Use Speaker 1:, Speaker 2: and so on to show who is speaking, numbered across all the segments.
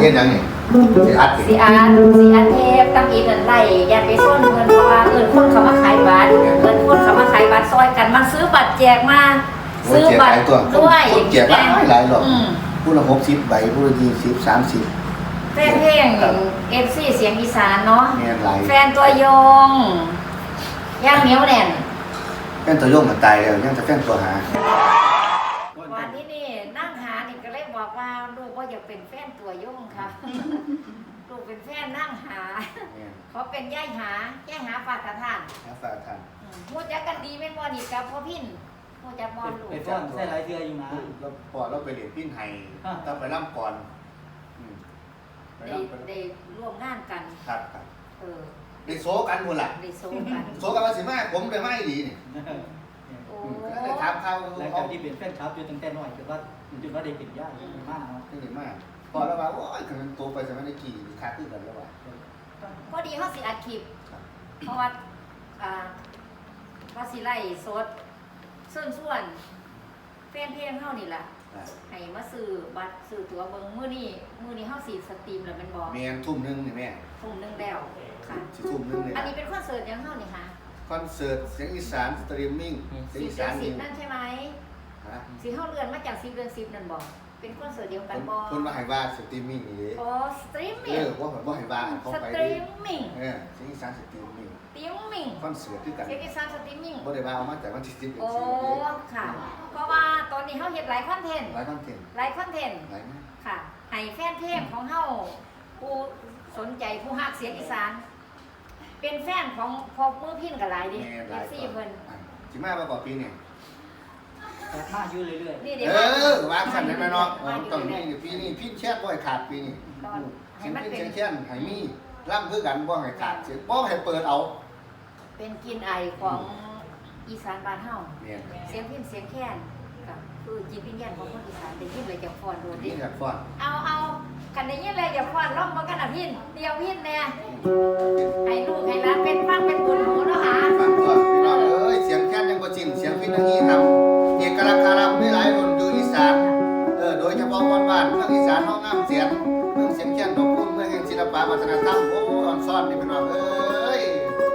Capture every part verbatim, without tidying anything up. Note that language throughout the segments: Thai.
Speaker 1: ฮ็ดหยังนี่สิอัดสิ
Speaker 2: สีอาร์สีอาร์เทปตั้งอีกเงินไล่ยันไปส้นเงินเพราะว่าเงินคนเขามาขายบัตรเงินคนเขามาขายบัตรซอยกันมันซื้อบัตรแจกมาซื้อบัตรด้วย
Speaker 1: แจกหลายหลายหรอกผู้ละหกสิบใบผู้ละยี่สิบสามสิบ
Speaker 2: แฟนเพลงเอฟซีเสียงอีสานเนาะแฟนตัวยงย่างเหนียวแน่น
Speaker 1: แฟนตัวยงมันตายแล้วยังจะแฟนตัวหา
Speaker 2: วันนี้นี่นั่งหานี่ก็เลยบอกว่าลูกว่าอยากเป็นแฟนตัวยงค่ะลูกเป็นแฟนนั่งหาเขาเป็นย่ายหาย่ายหาฝากกระทาน
Speaker 1: ฝากกระทาน
Speaker 2: พูดจักกันดีเป็นวันนี้กับพ่อพินพูดจักบอลลูก
Speaker 3: เป็นฟ้อนใส่ลายเทืออยู่นะ
Speaker 1: เราปอดเราไปเรียนพินไห้ต้องไปร่ำก่อน
Speaker 2: ได้ได้ร่วมงานกัน
Speaker 1: ครับครับ
Speaker 2: เออ
Speaker 1: ได้โซกันคนละ
Speaker 2: ได้โซกัน
Speaker 1: โซกันว่าสิมาผมไปไม่ดีนี่
Speaker 2: โอ้
Speaker 1: ได้ถามเขา
Speaker 3: แล้วการที่เป็นแฟนคลับอยู่ตั้งแต่น้อยจนว่าจนว่าได้เป็นญาติมากเนาะ
Speaker 1: ได้มากพอแล้วว่าโอ้ยถึงโตไปจะไม่ได้กี่ขาขึ้นกันแล้วว่า
Speaker 2: พอดีเขาสิอัดคลิปเพราะว่าอ่าว่าสิไล่สดส่วนส่วนแฟนเพลงเฮานี่ล่ะให้มาซื้อบัตรซื้อตั๋วเบิ่งมื้อนี้มื้อนี้เฮาสิสตรีมแล้วแม่นบ่
Speaker 1: แม่นทุ่มนึงนี่แม่
Speaker 2: ทุ่มนึงแล้วค่ะ
Speaker 1: สิทุ่มนึงนี่
Speaker 2: อันนี้เป็นคอนเสิร์ตยังเฮานี่ค่ะ
Speaker 1: คอนเสิร์ตเสียงอีสานสตรีมมิ่ง
Speaker 2: เสียงอีสานสิบนั่นใช่มั้ยฮะสิเฮาเลื่อนมาจากสิบเดือนสิบนั่นบ่เป็นคอนเสิร์ตเดียวกันบ่
Speaker 1: คนมาให้ว่าสตรีมมิ่งนี่
Speaker 2: อ๋อสตรีมมิ่ง
Speaker 1: เออว่าบ่ให้ว่าเขาไป
Speaker 2: สตรีมมิ่ง
Speaker 1: เออเสียงอีสานสตรีมมิ่ง
Speaker 2: สตรีมมิ่ง
Speaker 1: คอนเสิร์ตคือกัน
Speaker 2: เสียงอีสานสตรีมมิ่ง
Speaker 1: บ่ได้ว่าเอามาจากวันที่สิบเดือน
Speaker 2: สิบโอ้ค่ะเพราะว่าตอนนี้เฮาเฮ็ดหลายคอนเทนต์
Speaker 1: หลายคอนเทนต์
Speaker 2: หลายคอนเทนต์
Speaker 1: หลายมาก
Speaker 2: ค่ะให้แฟนเพลงของเฮาผู้สนใจผู้ฮักเสียงอีสานเป็นแฟนของพอมือพินก็หลายดิ เอฟ ซี เพิ่น
Speaker 1: สิมาบ่ปีนี้
Speaker 3: แต่มาอยู่เรื่อยๆ
Speaker 2: นี่เดี๋ยว
Speaker 1: เออวางสั่นได้มั้ยเนาะต้องมีปีนี้พินแช่บ่ให้ขาดปีนี้ให้มันเป็นแช่ๆให้มีร่ำคือกันบ่ให้ขาดสิบ่ให้เปิดเอา
Speaker 2: เป็นกินไอของอีสานบ้านเฮา
Speaker 1: เนี่ย
Speaker 2: เสียงพินเสียงแค้นก็คือจิตวิญญาณของคนอีสานได้ยินเลยจะฟ้อนโดดดิ
Speaker 1: นี่ก็ฟ้อน
Speaker 2: เอาเอากันได้ยินเลยจะฟ้อนร้องมากันน่ะพินเดียวพินแน่ให้ลูกให้หลานเป็นฟังเป็นบุญหูเนาะหา
Speaker 1: ฟังก่อนพี่น้องเอ้ยเสียงแค้นยังบ่ชินเสียงพินทางนี้ครับเอกลักษณ์คารับมีหลายคนอยู่อีสานเออโดยเฉพาะคนบ้านเมืองอีสานเฮางามเสียงเมืองเสียงแค้นดอกพุ่มเมืองแห่งศิลปะวัฒนธรรมโอ้อ่อนซ่อนนี่พี่น้องเอ้ย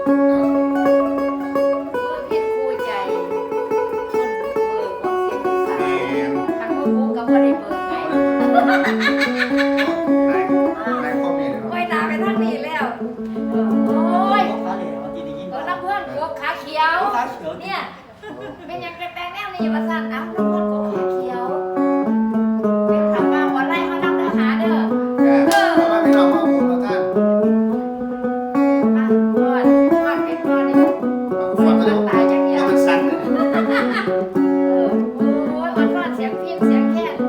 Speaker 2: พินคู่ใจคนบุกเบิกของเสียงอีสานทางบุกก็บ่ได้เบิกไง
Speaker 1: ในข้อมีเลย
Speaker 2: โอ้ยตาไปทางนี้แล้วโอ้ย
Speaker 3: ขาเหลวที่ได้ยิน
Speaker 2: เออน้ำเพื่อนกบขาเขียวเนี่ยเป็นยังแปลงแนวนี้มาสั่นน้ำน้ำเพื่อนกบขาเขียวเป็นคำว่าวันไล่เขานำเนื้อหาเด้อ
Speaker 1: เออมาพี่น้องมาพูดกับท่าน
Speaker 2: มาก่อนก่อนเป็นก่อนนี่มันตายจากเดียว
Speaker 1: มันสั่นเลย
Speaker 2: เออโอ้ยอ่อนๆเสียงพิมพ์เสียงแค้น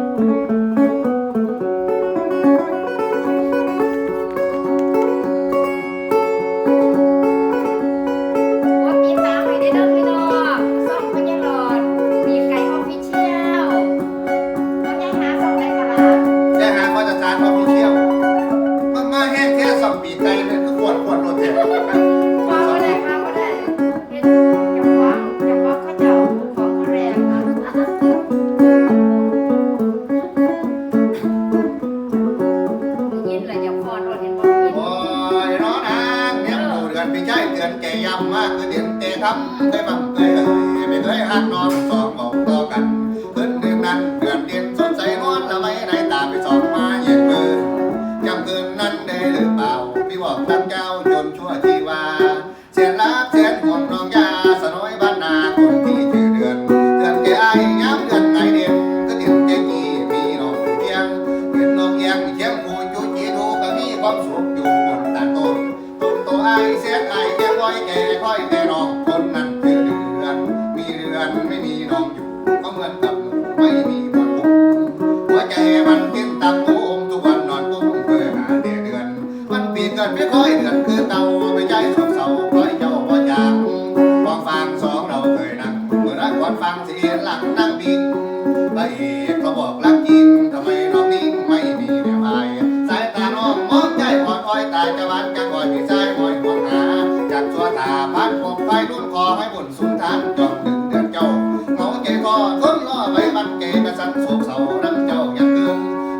Speaker 1: ทำเคยบังเคยเอ่ยไม่เคยหักนอนสองบอกต่อกันคืนเดือนนั้นเดือนเดือนสดใสนวลละไม่ในตาไปสองมาเย็นมือจำคืนนั้นได้หรือเปล่าพี่บอกท่านเจ้าจนชั่วชีวาเสียนรักเสียนห่วงน้องยาสน้อยบ้านนาคนที่ชื่อเดือนเดือนแก่ไอ้ย้ำเดือนไงเด่นก็เดือนแก่กี่มีน้องเพียงเดือนน้องเอียงเชียงคูจูจีดูก็มีความสุขอยู่บนตาต้นต้นโตไอ้เสียนไอ้แก่ร้อยแก่ค่อยแก่น้องคนนั้นคือเดือนมีเดือนไม่มีน้องอยู่ก็เหมือนกับไม่มีคนคุมหัวใจมันเต้นตามตูมทุกวันนอนกุ้มเพื่อหาแต่เดือนมันปีเกิดไม่ค่อยเดือนคือเต่าไม่ใจสดเศร้าคอยเจ้าพ่อจางลองฟังสองเราเคยนั่งเมื่อรักวันฟังเสียงหลังนั่งบิงพระเอกเขาบอกรักจริงทำไมน้องนิ่งไม่มีแม่พายสายตาน้องมองใจอ่อนอ้อยตายจะวันกันก่อนพี่ชายคอยห่วงหาจากชัวตาพันผมไปรุ่นคอให้บุญสุนทานจอมหนึ่งเดือนเจ้าเงาใจคอทนรอไว้บันเกกระสันโศกเศร้าน้ำเจ้ายังเกิน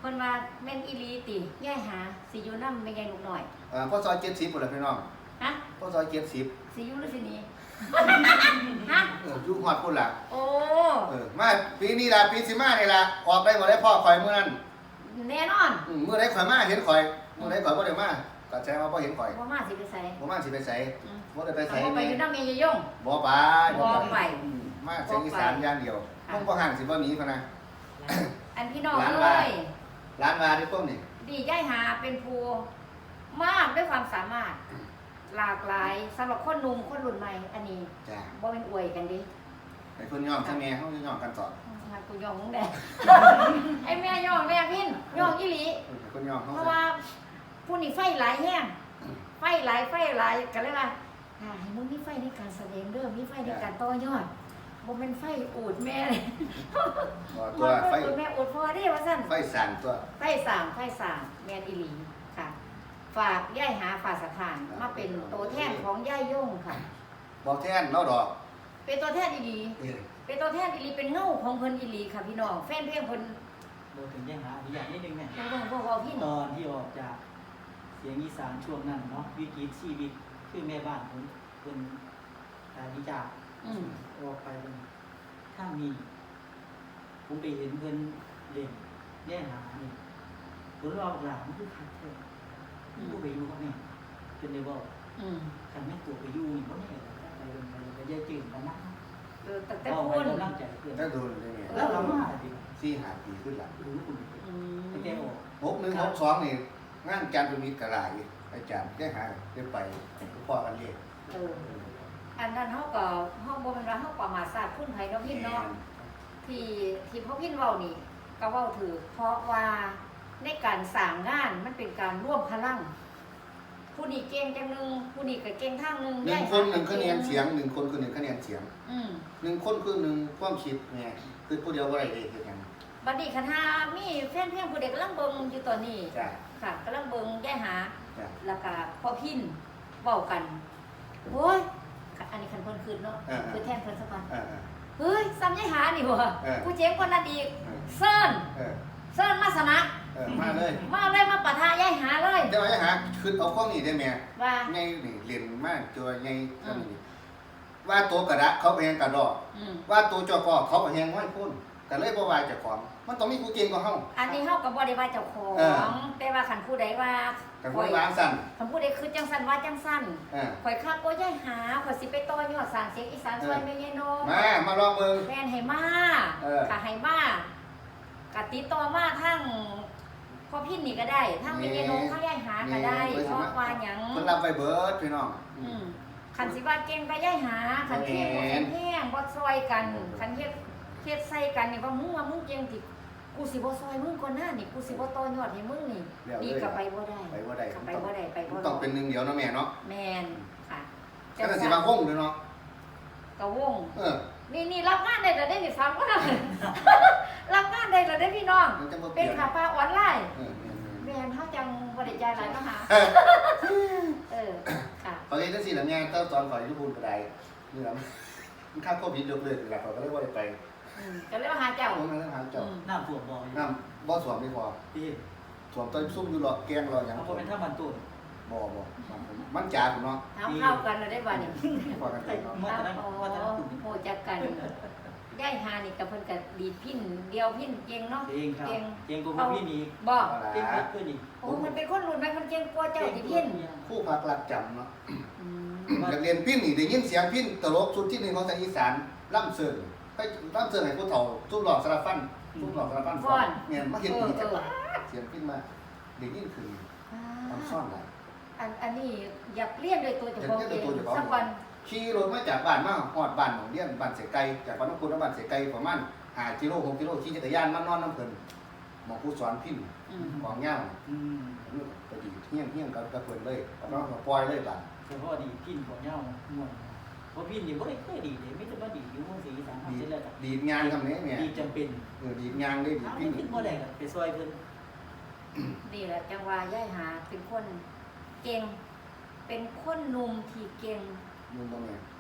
Speaker 2: พิ่นว่าแม่นอีหลีติย่ายหาสิอยู่นำแม่ใหญ่ลูกน้อย
Speaker 1: เอ่อพ่อซอยเจ็ดสิบพุ่นล่ะพี่น้อง
Speaker 2: ฮะ
Speaker 1: พ่อซอยเจ็ดสิบ
Speaker 2: สิอยู่หรือสิหนีฮะ
Speaker 1: เอออยู่ฮอดพุ่นล่ะ
Speaker 2: โอ้
Speaker 1: เออมาปีนี้ล่ะปีสิมานี่ล่ะออกได้บ่ได้พ่อข่อยมื้อนั้น
Speaker 2: แน่นอน
Speaker 1: อืมมื้อใดข่อยมาเห็นข่อยมื้อใดข่อยบ่ได้มาก็แสดงว่าบ่เห็นข่อย
Speaker 2: บ่มาสิไปไส
Speaker 1: บ่มาสิไปไส
Speaker 2: อืม
Speaker 1: บ่ได้ไปไส
Speaker 2: เอาไป
Speaker 1: แม่
Speaker 2: อยู่นำแม่ยายยง
Speaker 1: บ่ไป
Speaker 2: บ่ไป
Speaker 1: อืมมาเสียงอีสานอย่างเดียว
Speaker 2: ค่ะ
Speaker 1: ต้องบ่ห่างสิบ่หนีพะนะ
Speaker 2: อันพี่น้อง
Speaker 1: ร้าน
Speaker 2: เอ้
Speaker 1: ว่า
Speaker 2: ย
Speaker 1: ร้านว่าที่ต้มนี่
Speaker 2: ดีย่ายหาเป็นผู้มากด้วยความสามารถ หลากหลายสำหรับคนหนุ่มคนรุ่นใหม่ อันนี้
Speaker 1: จ้ะ
Speaker 2: บ่เป็นอวยกันดิ
Speaker 1: ไอ้คนยอมใช่แม่เฮาสิยอมกันต่อ
Speaker 2: งานกูยองมึงแด ไอ้แม่ยองแม่พินยองอีหลี
Speaker 1: เออไอ้คนยอมเฮา
Speaker 2: เพราะว่าผู้นี่ไฟหลายแห้งไฟหลายไฟหลายกันเลยว่าอ่าให้มึงมีไฟในการแสดงเด้อมีไฟในการต่อยอดบ่เป็นไฟอูดแม่เลย
Speaker 1: บ่
Speaker 2: บ่
Speaker 1: ตัว
Speaker 2: ไฟ
Speaker 1: ไฟ
Speaker 2: อูดแม่อูดพอเด้ว่าซั่น
Speaker 1: ไฟสั่นตัว
Speaker 2: ไฟสามไฟสามแม่นอีหลีค่ะ ฝากย่ายหาฝากสถานมาเป็นตัวแทนของย่ายย่งค่ะ
Speaker 1: บอกแทนเราดอก
Speaker 2: เป็นตัวแทนอีหลี
Speaker 1: นี่
Speaker 2: เป็นตัวแทนอีหลีเป็นเงาของเพิ่นอีหลีค่ะพี่น้องแฟนเพลงเพิ่น
Speaker 3: โดยถึงแย่งหาอีกอย่างนิดนึงเนี่ย
Speaker 2: บ่ต้องบ่เว้าพี่
Speaker 3: ตอนที่ออกจากเสียงอีสานช่วงนั้นเนาะวิกฤตชีวิตคือแม่บ้านผมเป็นตาดีจาก
Speaker 2: อืม
Speaker 3: ออกไปเป็นถ้ามีผมไปเห็นเพิ่นเล่นแย่งหานี่ผมรอหลานคือคักเท่ผู้ไปอยู่เขาเนี่ยจนได้บอก
Speaker 2: อืม
Speaker 3: คันแม่ตัวไปอยู่นี่เขาเนี่ยไปเป็นไปไปแย่จืดกันนะ
Speaker 2: เออตั้งแต่
Speaker 3: เอาไป
Speaker 2: พูน
Speaker 3: กำลังใจเพื่อน
Speaker 1: ถ้าโดนได้ไง
Speaker 3: แล้วเรามาดิ
Speaker 1: สี่ห้าปีขึ้นหลัง
Speaker 3: รู้คุณ
Speaker 2: อืม
Speaker 3: ไปแก้ออก
Speaker 1: หกหนึ่งหกสองนี่งานจันทร์เป็นมิตรกระไรอาจารย์ได้หาได้ไปพ่อกันเรียก
Speaker 2: เอออันนั้นเฮาก็เฮาบ่แม่นว่าเฮาประมาทศาสตร์คุณไผเนาะพี่เนาะที่ที่พ่อพินเว้านี่ก็เว้าถือเพราะว่าในการสร้างงานมันเป็นการร่วมพลัง ผู้นี้เก่งจังหนึงผู้นี้ก็เก่งทางหนึง
Speaker 1: หนึ่งคนหนึ่งคะแนนเสียงหนึ่งคนคือหนึ่งคะแนนเสียง
Speaker 2: อืม
Speaker 1: หนึ่งคนคือหนึ่งความคิดไงคือผู้เดียวว่าอะไรเองคือกัน
Speaker 2: บัดนี้คันหามีแฟนเพลงผู้ใดกำลังเบิ่งอยู่ตอนนี้
Speaker 1: จ้ะ
Speaker 2: ค่ะกำลังเบิ่งย่ายหา
Speaker 1: จ้ะ
Speaker 2: แล้วก็พ่อพินเว้ากันโอ้ยอันนี้คันเพิ่นคืนเนาะคือแทนเพิ่นสักวัน
Speaker 1: เออเออ
Speaker 2: เฮ้ยซ้ำย่ายหานี่บ่
Speaker 1: เออ
Speaker 2: กูเจ๋งกว่านั้นอีก
Speaker 1: เออ
Speaker 2: เซิร์น
Speaker 1: เออ
Speaker 2: เซิร์นมาสมัคร
Speaker 1: เออมาเลย
Speaker 2: มาเลยมาปะทะย่ายหาเลย
Speaker 1: แต่ว่าจะหาคือเอาข้องนี่ได้ไหม
Speaker 2: ว่า
Speaker 1: ไงนี่เรียนมากตัวไงก็นี่ว่าตัวกระดะเขาไปแหงกระดอก
Speaker 2: อืม
Speaker 1: ว่าตัวจอกอเขาไปแหงห้อยพุ่นแต่เลยบ่วายเจากของมันต้องมีกูเก่งกว่าเฮา
Speaker 2: อันนี้เฮาก็บ่ได้ว่าเจ้าขอ
Speaker 1: เออ
Speaker 2: งแต่ว่าคันผู้ใดว่า
Speaker 1: กันพูดล้างสั่น
Speaker 2: คันผู้ใดคือจังซั่นว่าจังซั่น
Speaker 1: เออ
Speaker 2: ข่อยคักบ่ย่ายหาข่อยสิไปต่อยอดสร้างเสียงอีสานซอยแม่ยายนก
Speaker 1: มามาลองเบิ่ง
Speaker 2: แฟนให้มา
Speaker 1: เออ
Speaker 2: ค่ะให้มากะติดต่อมาทั้งพ่อพินนี่ก็ได้ทั้งแม่ยายนกทั้งย่ายหาก็ได้เพราะว่าหยัง
Speaker 1: เพิ่นรับไว้เบิดพี่น้อง
Speaker 2: อืมคันสิว่าเก่งก็ย่ายหาคันเพียงบ่แข็งแห้งบ่ซอยกันคันเฮ็ดเฮ็ดใส่กันนี่ว่ามึงว่ามึงเก่งติกูสิบ่ซอยมึงก่อนหน้านี่กูสิบ่ต่อยอดให้มึงนี่นี่ก็ไปบ่ได้
Speaker 1: ไปบ่ได้
Speaker 2: ก็ไปบ่ได้ไปบ่
Speaker 1: มัน
Speaker 2: ได้
Speaker 1: ต้องเป็นหนึ่งเดียวเนาะแม่เนาะ
Speaker 2: แม่นค่ะ
Speaker 1: ก็น่าสิบางวงเลยเนาะ
Speaker 2: ก็วง
Speaker 1: เออ
Speaker 2: นี่นี่รับงานได้แล้วได้นี่ฟังก็ได้ รับงานได้แล้วได้พี่น้อง
Speaker 1: มันจะบ่เป
Speaker 2: เป็
Speaker 1: ลี่
Speaker 2: น
Speaker 1: ยน
Speaker 2: ขาปลาออนไลน์
Speaker 1: เออ
Speaker 2: แม่นเฮาจังบ่ได้จ่ายหลายมาหาเออค่ะ
Speaker 1: พอเฮ็ดจังซี่ล่ะแม่เต้าตอนข่อยอยู่บุญก็ได้นี่ล่ะมันค่าโควิดยกเลิกแล้วเขาก็เลยบ่ได้ไป
Speaker 2: อืมก็เลยมาหาเจ้า
Speaker 1: เอามาแล้วหาเจ้า
Speaker 2: อืม
Speaker 3: น้ำท่วมบ่อย
Speaker 1: น้ำบ่สวมไม่พอ
Speaker 3: พี่
Speaker 1: สวมต้นซุ่มอยู่หรอกแกงรอหยัง
Speaker 3: เอาเป็นถ้ามันตุ่น
Speaker 1: บ่บ่มันจ๋าพุ่นเนาะ
Speaker 2: ถามเข้ากันแล้วได้บ่นี่
Speaker 1: พอกันไปเนาะ
Speaker 3: มาแต่นั้น
Speaker 2: โอ้
Speaker 3: มาแต่นั้นตุ่น
Speaker 2: โหจักกันย่ายหานี่กับเพิ่นก็ดีดพินเดียวพินเก่งเนาะ
Speaker 3: เองครับ
Speaker 2: เก่ง
Speaker 3: เองกูพี่มี
Speaker 2: บ่
Speaker 1: เอา
Speaker 3: เก่ง
Speaker 1: ล่ะ
Speaker 3: ขึ้นอีก
Speaker 2: โอ้มันเป็นคนรุ่นใหม่มันเก่งกว่าเจ้าที่พิน
Speaker 1: คู่พักหลักจำเนาะ
Speaker 2: อืม
Speaker 1: อยากเรียนพินนี่ได้ยินเสียงพินตลกชุดที่หนึ่งของทางอีสานล่ำเสิร์นไปล่ำเสิร์นให้ผู้เฒ่าทุบหลอกสารฟันทุบหลอกสารฟันเนี่ยมาเห็นดีจังเสียงพินมาได้ยินคือทำซ่อนหลาย
Speaker 2: อันอันนี้อยากเรียนโดยตัวเจ้าของเองสักวัน
Speaker 1: ขี่รถมาจากบ้านมาฮอดบ้านของเรียนบ้านเสไกจากบ้านน้องคุณบ้านเสไกประมาณห้ากิโลหกกิโลขี่จักรยานมานอนน้ำเพิ่นหมอผู้สอนพิน
Speaker 2: อืม
Speaker 1: ของเงา
Speaker 3: อืม
Speaker 1: ไปดีเฮี้ยงเฮี้ยงกับกับเพิ่นเลยเอาน้องก็ปล่อยเลยบ้าน
Speaker 3: แต่พอดีพินของเงาม่วนเพราะพินนี่บ่ได้เคยดีเลยไม่จะมาดีอยู่เมืองศรีอีสาน
Speaker 1: ดี
Speaker 3: เสร็จแล้วก็
Speaker 1: ดีดงานทำนี้เนี่ย
Speaker 3: ดีจำเป็น
Speaker 1: เออดีดงานได้ดีด
Speaker 3: ถ้า
Speaker 1: พิน
Speaker 3: พินบ่ได้ก็ไปซอยเพิ่น
Speaker 2: นี่แหละจังว่าย่ายหาเป็นคนเก่ง เป็นคนหนุ่มที่เก่ง
Speaker 1: มึงตรงนี้
Speaker 2: เ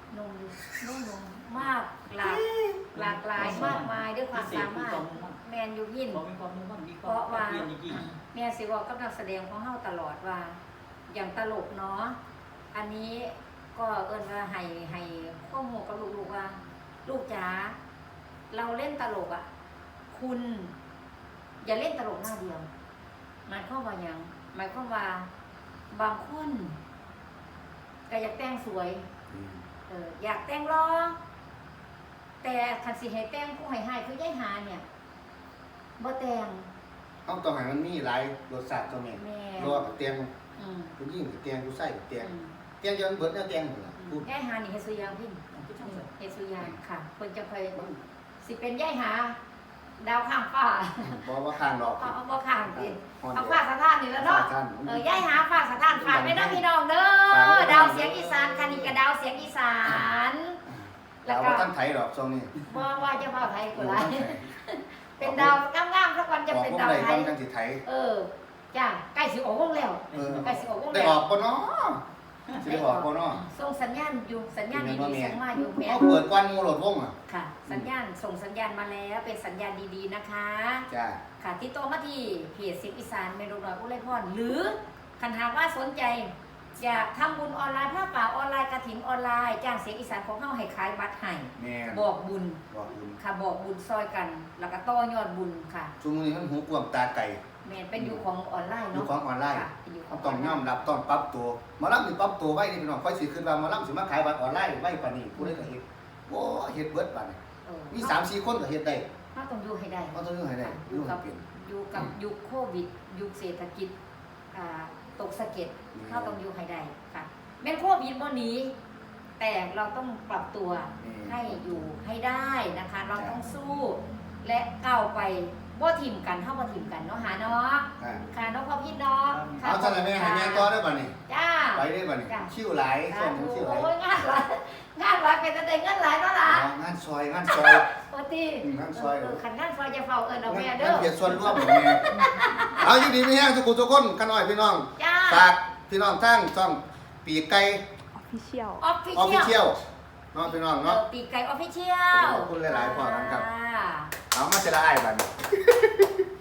Speaker 2: นมนุ่มนมมากหลากหลากหลายมากมายด้วยความสามารถแมนยูยิน
Speaker 3: บอกมีความมุ่งมั่นมีความเพียรจริง
Speaker 2: แม่สิบอกกับนักแสดงของเฮาตลอดว่า อย่างตลกเนาะอันนี้ก็เอิ้นว่าให้ให้ข้อมูลกับลูกๆว่า ลูกจ๋าเราเล่นตลกอ่ะ คุณ อย่าเล่นตลกหน้าเดียวหมายความว่าหยังหมายความว่าบางคนก็อยากแต่งสวย เอออยากแต่งรอแต่คันสิให้แต่งผู้ให้ให้คือยายหาเนี่ยบ่แต่ง
Speaker 1: เอาต้องให้มันมีหลายรสชาติตัวแม่
Speaker 2: แม่
Speaker 1: รอกับเตียง
Speaker 2: อืม
Speaker 1: ผู้หญิงกับเตียงผู้ชายกับเตียง
Speaker 2: อืม
Speaker 1: เตียงเดียวมันเบิดแนวเตียงหมดล่ะพูด
Speaker 2: ยายหานี่เฮ็ดสุยางพี่
Speaker 3: ๆที่ช่างสวย
Speaker 2: เฮ็ดสุยางค่ะเพิ่นจะเคยสิเป็นยายหา ดาวข้างฟ้า
Speaker 1: บ่ว่าข้างดอก
Speaker 2: เอาเอาบ่ข้างสิ
Speaker 1: ฮอน
Speaker 2: เอา
Speaker 1: เดียว
Speaker 2: ฟ้าสถานนี่แล้วเนาะ
Speaker 1: ฟ้าสถาน
Speaker 2: เออยายหาฟ้าสถานฝากไว้เด้อพี่น้องเด้
Speaker 1: ฝากไว้
Speaker 2: อ
Speaker 1: เด้อ
Speaker 2: ดาวเสียงอีสานค่ะนี่ก็ดาวเสียงอีสาน แล้
Speaker 1: เรา
Speaker 2: วก็
Speaker 1: ว่าท่านไทยดอกช่วงนี้
Speaker 2: บ่ว่าจะว่าไทยก็หลายเป็นดาวงามๆสักวันจะเป็นดาว
Speaker 1: ออก
Speaker 2: ไท
Speaker 1: วง
Speaker 2: ย
Speaker 1: ใดจังสิไทย
Speaker 2: เออจ้าใกล้สิออกวงแล้ว
Speaker 1: เออ
Speaker 2: ใกล้สิออกวง
Speaker 1: ได้
Speaker 2: แล้ว
Speaker 1: ออกบ่เนาะสิได้ออกบ่เนาะ
Speaker 2: ส่งสัญญาณอยู่สัญญาณดีๆส่งมาอยู่แม่
Speaker 1: เอาเปิดกวนหมู่รถวงอ่ะ
Speaker 2: ค่ะ สัญญาณส่งสัญญาณมาแล้วเป็นสัญญาณดีๆนะคะ
Speaker 1: จ้า
Speaker 2: ค่ะที่โตมาที่เพจสิบอีสานเมนูน้อยอุไรพรหรือคันหากว่าสนใจอยากทำบุญออนไลน์ผ้าป่าออนไลน์กฐินออนไลน์จ้างเสียงอีสานของเฮาให้ขายบัตรให้
Speaker 1: แม่น
Speaker 2: บอกบุญ
Speaker 1: บอกคุณ
Speaker 2: ค่ะบอกบุญซอยกัน แล้วก็ต่อยอดบุญค่ะ
Speaker 1: ช่วงนี้มันหูกวางตาไก่
Speaker 2: แม่นเป็นอยู่ของออนไลน์
Speaker 1: อยู่
Speaker 2: เนาะ
Speaker 1: ของออนไลน์
Speaker 2: ค่ะเป็นอยู่ข
Speaker 1: เขา
Speaker 2: อง
Speaker 1: ต้องยอมรับต้องปรับตัวหมาลํนี่ปรับตัวไว้นี่พี่น้องค่อยสิขึ้นว่าหมาลํสิมาขายบัตรออนไลน์ไว้ปานนี้ผู้ใดก็เฮ็ดโอ้เฮ็ดเบิดปานนี้
Speaker 2: เออ
Speaker 1: มี สามสี่คนก็เฮ็ดได้
Speaker 2: เราต้องอยู่ให้ได้
Speaker 1: เขาต้องอยู่ให้ได้
Speaker 2: อ
Speaker 1: อยู่
Speaker 2: ยู่
Speaker 1: ให้
Speaker 2: กับ
Speaker 1: เป็น
Speaker 2: อยู่กับยุคโควิด ยุคเศรษฐกิจอ่าตกสะเก็ด
Speaker 1: อืม
Speaker 2: เราต้องอยู่ให้ได้ค่ะแม้นโควิดบ่หนีแต่เราต้องปรับตัว
Speaker 1: อืม
Speaker 2: ให้อยู่ให้ได้นะคะ เราต้องสู้ และก้าวไปบ่ถิ่มกันเท่าบ่ถิ่มกันเนาะหาเนาะ
Speaker 1: อ่า
Speaker 2: ค่ะน้องพ่อพี่เนาะค่ะ
Speaker 1: เอาจังได๋แม่ให้แม่ต่อได้ป่ะนี่
Speaker 2: จ้า
Speaker 1: ไปได้ป่ะนี่
Speaker 2: จ้ะ
Speaker 1: ชิวหลาย
Speaker 2: สา
Speaker 1: ส่ง
Speaker 2: ธุ
Speaker 1: ชิวหลาย
Speaker 2: โอ้ยงานหลายงานหลายเป็นแต่ได้เงินหลายเนาะล่ะ
Speaker 1: อ๋องานซอยงานซอย
Speaker 2: โอ้ตี
Speaker 1: อืมงานซอย
Speaker 2: เออขันงานซอยจะเฝ้าเอิ้นเอาแม่
Speaker 1: งาน
Speaker 2: เด้อ
Speaker 1: เพียรส่วนร่วมของแม่เอาอยู่ดีมีแห้งทุกคนทุกคนกันหน่อยพี่น้อง
Speaker 2: จ้า
Speaker 1: ฝากพี่น้องทั้งช่องปีกไก่
Speaker 4: Official
Speaker 2: ออฟฟิ
Speaker 1: ออฟฟิ
Speaker 2: เชี
Speaker 1: เชี
Speaker 2: ย
Speaker 1: ย
Speaker 2: ล
Speaker 1: ลเนาะพี่น้องเนาะ
Speaker 2: ปีกไก่ออฟฟิเชียล
Speaker 1: ขอบคุณหลายๆพอกันครับ
Speaker 2: ค่ะ
Speaker 1: เอามาเจรไอ้ายบัดน